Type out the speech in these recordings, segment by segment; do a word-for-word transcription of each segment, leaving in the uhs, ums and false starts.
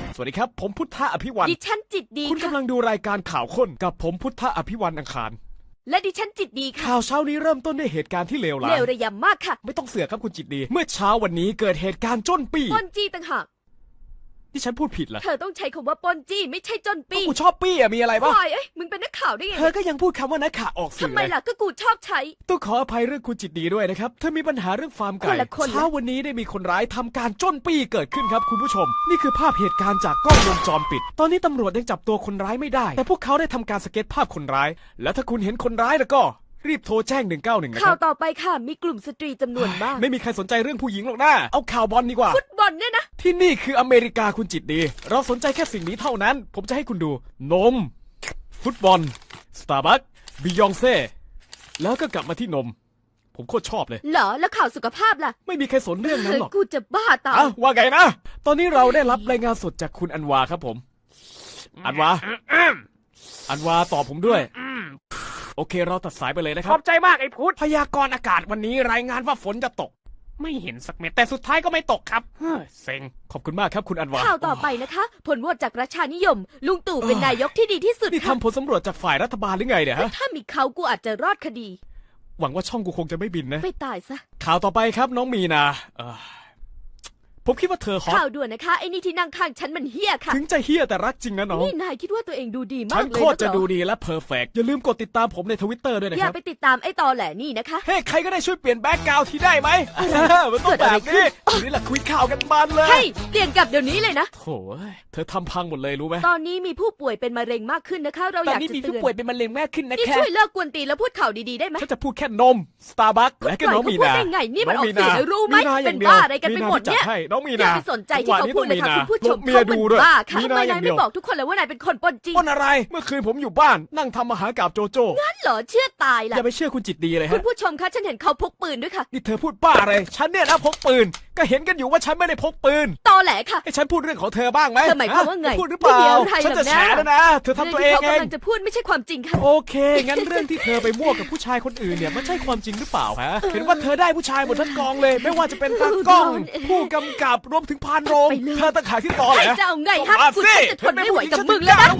สวัสดีครับผมพุทธะอภิวันดิฉันจิตดีคุณกำลังดูรายการข่าวค้นกับผมพุทธะอภิวันอังคารและดิฉันจิตดีค่ะข่าวเช้านี้เริ่มต้นด้วยเหตุการณ์ที่เลวร้ายเลวระยำมากค่ะไม่ต้องเสือกครับคุณจิตดีเมื่อเช้าวันนี้เกิดเหตุการณ์จ้นปี้ปล้นจี้ต่างหากที่ฉันพูดผิดเหรอเธอต้องใช้คำว่าปล้นจี้ไม่ใช่จนปี้กูชอบปี้อะมีอะไรบ้างเอ้ยมึงเป็นนักข่าวได้ไงเธอก็ยังพูดคำว่านักข่าวออกสื่อทำไมล่ะก็กูชอบใช้ต้องขออภัยเรื่องคุณจิตดีด้วยนะครับเธอมีปัญหาเรื่องฟาร์มไก่เช้าวันนี้ได้มีคนร้ายทำการจ้นปี้เกิดขึ้นครับคุณผู้ชมนี่คือภาพเหตุการณ์จากกล้องวงจรปิดตอนนี้ตำรวจยังจับตัวคนร้ายไม่ได้แต่พวกเขาได้ทำการสเก็ตภาพคนร้ายแล้วถ้าคุณเห็นคนร้ายแล้วก็รีบโทรแจ้งหนึ่งเก้าหนึ่งนะคข่ารัวต่อไปค่ะมีกลุ่มสตรีจำนวนมากไม่มีใครสนใจเรื่องผู้หญิงหรอกนะเอาข่าวบอลดีกว่าฟุตบอลเนี่ยนะที่นี่คืออเมริกาคุณจิตดีเราสนใจแค่สิ่งนี้เท่านั้นผมจะให้คุณดูนมฟุตบอลสตาร์บัคบิยองเซ่แล้วก็กลับมาที่นมผมโคตรชอบเลยเหรอแล้วข่าวสุขภาพล่ะไม่มีใครสนเรื่องนั้นหรอกกูจะบ้าตายอ้าวว่าไงนะตอนนี้เราได้รับรายงานสดจากคุณอันวาครับผมอันวาอันวาตอบผมด้วยโอเคเราตัดสายไปเลยนะครับขอบใจมากไอ้พุทธพยากรณ์อากาศวันนี้รายงานว่าฝนจะตกไม่เห็นสักเม็ดแต่สุดท้ายก็ไม่ตกครับเฮ้ยเซ็งขอบคุณมากครับคุณอันวาข่าวต่อไปนะคะผลโหวตจากประชานิยมลุงตู่เป็นนายกที่ดีที่สุดนี่ทำผลสำรวจจากฝ่ายรัฐบาลหรือไงเนี่ยฮะถ้ามีเขากูอาจจะรอดคดีหวังว่าช่องกูคงจะไม่บินนะไม่ตายซะข่าวต่อไปครับน้องมีนาเออผมคิดว่าเธอฮอตข่าวด่วนนะคะไอ้นี่ที่นั่งข้างฉันมันเฮี้ยค่ะถึงจะเฮี้ยแต่รักจริงนะน้องนี่นายคิดว่าตัวเองดูดีมากเลยฉันโคตรจะดูดีและเพอร์เฟกต์อย่าลืมกดติดตามผมในทวิตเตอร์ด้วยนะครับอย่าไปติดตามไอ้ตอแหลนี่นะคะเฮ้ใครก็ได้ช่วยเปลี่ยนแบ็กกราวด์ที่ได้ไหมมันต้องแบบนี้นี่แหละคุยข่าวกันมันเลยเฮ้ยเปลี่ยนกลับเดี๋ยวนี้เลยนะโถ่เธอทำพังหมดเลยรู้ไหมตอนนี้มีผู้ป่วยเป็นมะเร็งมากขึ้นนะคะเราอยากจะเตือนตอนนี้มีผู้ป่วยเป็นมะเร็งมากขึ้นนะแค่ช่วยเลิกกวนตีนแล้วพูดข่าวดีๆได้ไหมฉันจะพูดแค่นมสตาร์บัคและก็น้องมีนาพูดได้ไงนี่มันออกเสียงรู้ไหมเป็นบ้าอะไรกันไปหมดเนี่ยน้องมีนาอย่าไปสนใจที่เขาพูดเลยค่ะคุณผู้ชมเขาเป็นบ้าค่ะทำไมนายไม่บอกทุกคนเลยว่านายเป็นคนปนจริงปนอะไรเมื่อคืนผมอยู่บ้านนั่งทำมหากาพย์โจโจ้งั้นเหรอเชื่อตายล่ะอย่าไปเชื่อคุณจิตดีเลยฮะคุณผู้ชมคะฉันเห็นเขาพกปืนด้วยค่ะนี่เธอพูดบ้าอะไรฉันเนี่ยนะพกปืนก็เห็นกันอยู่ว่าฉันไม่ได้พกปืนตอแหลค่ะให้ฉันพูดเรื่องของเธอบ้างไหมเธอหมายความว่าไงพูดหรือเปล่าฉันจะแฉแล้วนะเธอทำตัวเองเองเขากำลังจะพูดไม่ใช่ความจริงค่ะโอเคงั้นเรื่องที่เธอไปมั่วกับผู้ชายคนอื่นเนี่ยมันใช่ความจริงหรือเปล่าฮะเห็นว่าเธอได้ผู้ชายหมดทั้งกองเลยไม่ว่าจะเป็นตากล้องผู้กำกับรวมถึงพานโรงเธอตะขายที่ตอแหลจะเอาไงฮะคุณจะทนไม่ไหวกับมึงแล้วนะ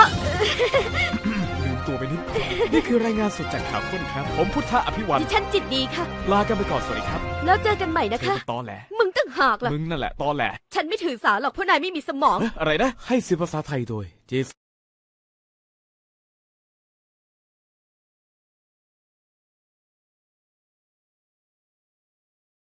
ลืมตัวไปนิดนี่คือรายงานสดจากข่าวค้นครับผมพุทธะอภิวัตรดิฉันจิตดีค่ะลากันไปก่อนสวัสดีครับแล้วเจอกันใหม่นะคะตอแหลมึงตั้งหากล่ะมึงนั่นแหละตอแหลฉันไม่ถือสาหรอกเพราะนายไม่มีสมองอะไรนะให้สื่อภาษาไทยโดยเจส